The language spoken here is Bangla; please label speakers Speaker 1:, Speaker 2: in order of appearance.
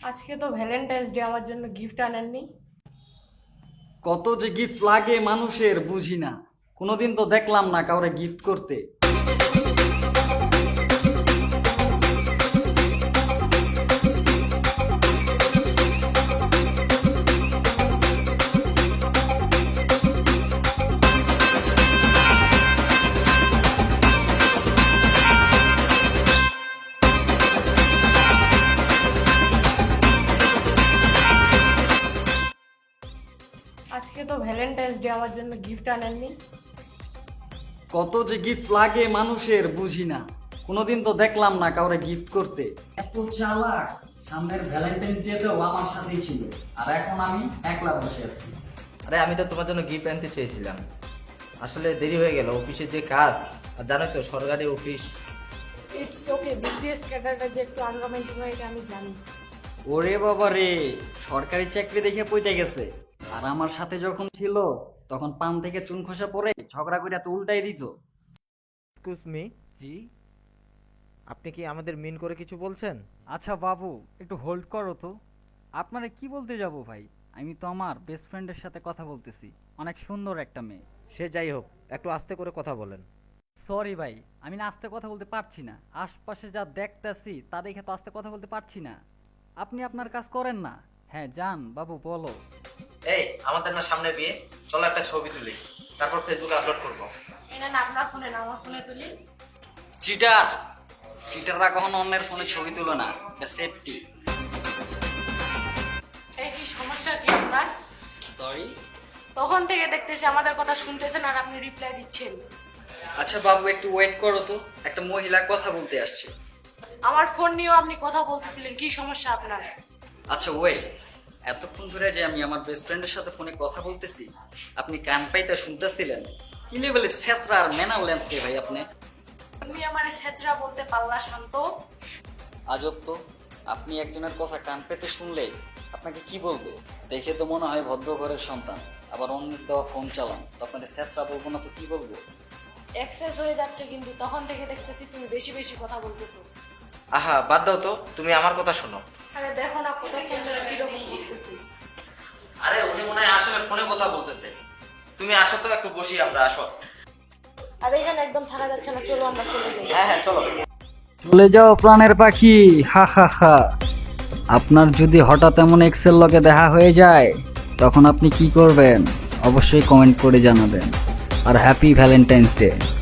Speaker 1: আজকে তো ভ্যালেন্টাইন্স ডে, আমার জন্য গিফট আনেননি?
Speaker 2: কত যে গিফট লাগে মানুষের বুঝি না। কোনোদিন তো দেখলাম না কাউরে গিফট করতে।
Speaker 1: আজকে তো ভ্যালেন্টাইন্স ডে, আমার জন্য গিফট আনেননি?
Speaker 2: কত যে গিফট লাগে মানুষের বুঝি না। কোনোদিন তো দেখলাম না কাউরে গিফট করতে। এত চালাক! সামনের ভ্যালেন্টাইন্স ডেতেও আমার সাথেই ছিল, আর এখন আমি একলা বসে আছি।
Speaker 3: আরে আমি তো তোমার জন্য গিফট আনতে চেয়েছিলাম, আসলে দেরি হয়ে গেল, অফিসে যে কাজ, আর জানোই তো সরকারি অফিস।
Speaker 1: ইটস ওকে, বিসিএস ক্যাডারটা যে একটু আনরোমান্টিক হয় এটা আমি জানি।
Speaker 2: ওরে বাবা রে, সরকারি চাকরি দেখে পইতে গেছে। আর আমার সাথে যখন ছিল তখন পান থেকে চুন খসা পড়ে ঝগড়া করে তো উল্টাই দিত।
Speaker 4: এক্সকিউজ মি,
Speaker 2: জি?
Speaker 4: আপনি কি আমাদের মিন করে কিছু বলছেন?
Speaker 2: আচ্ছা বাবু, একটু হোল্ড করো তো। আপনারা কি বলতে যাব ভাই? আমি তো আমার বেস্ট ফ্রেন্ডের সাথে কথা বলতেছি, অনেক সুন্দর একটা মেয়ে।
Speaker 4: সে যাই হোক, একটু আস্তে করে কথা বলেন।
Speaker 2: সরি ভাই, আমি না আস্তে কথা বলতে পারছি না। আশপাশে যা দেখতেছি তা দেখে তো আস্তে কথা বলতে পারছি না। আপনি আপনার কাজ করেন না। হ্যাঁ যান বাবু, বলো।
Speaker 3: এই আমাদের না সামনে বিয়ে, চলো একটা ছবি তুলি, তারপর ফেসবুকে আপলোড করবো।
Speaker 1: এটা না আপনার ফোনে না, আমার ফোনে তুলি।
Speaker 2: চিটার! চিটাররা কখনো অন্যের ফোনে ছবি তুলো না, সেফটি।
Speaker 1: এই কি সমস্যা কি আপনার?
Speaker 2: সরি।
Speaker 1: তখন থেকে দেখতেছি আমাদের কথা শুনতেছেন আর আপনি রিপ্লাই দিচ্ছেন।
Speaker 2: আচ্ছা বাবু, একটু ওয়েট করো তো, একটা মহিলা কথা বলতে আসছে।
Speaker 1: আমার ফোন নিয়েও আপনি কথা বলতেছিলেন, কি সমস্যা আপনার?
Speaker 2: আচ্ছা ওয়েট, এতক্ষণ ধরে যে আমি আমার বেস্ট ফ্রেন্ডের সাথে ফোনে কথা বলতেছি, আপনি কান পাইতে শুনতেছিলেন? কি লেভেলের ছেঁচড়া আর ম্যানার ল্যান্সকে ভাই আপনি!
Speaker 1: তুমি আমার ছেত্রা বলতে পারলা শান্ত?
Speaker 2: আজব তো, আপনি একজনের কথা কান পেতে শুনলে আপনাকে কি বলবো? দেখে তো মনে হয় ভদ্র ঘরের সন্তান, আবার অন্যের দেওয়া ফোন চালান, তো আপনাদের ছেঁচড়া বলবো না তো কি বলবো?
Speaker 1: এক্সেস হয়ে যাচ্ছে, কিন্তু তখন থেকে দেখতেছি তুমি বেশি বেশি কথা বলতেছো।
Speaker 3: আহা বাদ দাও তো, তুমি আমার কথা শোনো।
Speaker 1: আরে দেখো না কত ফোন ধরে কিরকম করতেছি।
Speaker 3: আরে উনি মনে হয় আসলে ফোনে কথা বলতেছে। তুমি আসো তো, একটু বসি আমরা, আসো।
Speaker 1: আর এখানে একদম থাকা যাচ্ছে না, চলো আমরা চলে যাই।
Speaker 3: হ্যাঁ হ্যাঁ চলো।
Speaker 2: চলে যাও প্রাণের পাখি, হা হা হা। আপনার যদি হঠাৎ এমন এক্সেল লগে দেখা হয়ে যায় তখন আপনি কি করবেন অবশ্যই কমেন্ট করে জানাবেন। আর হ্যাপি ভ্যালেন্টাইন্স ডে।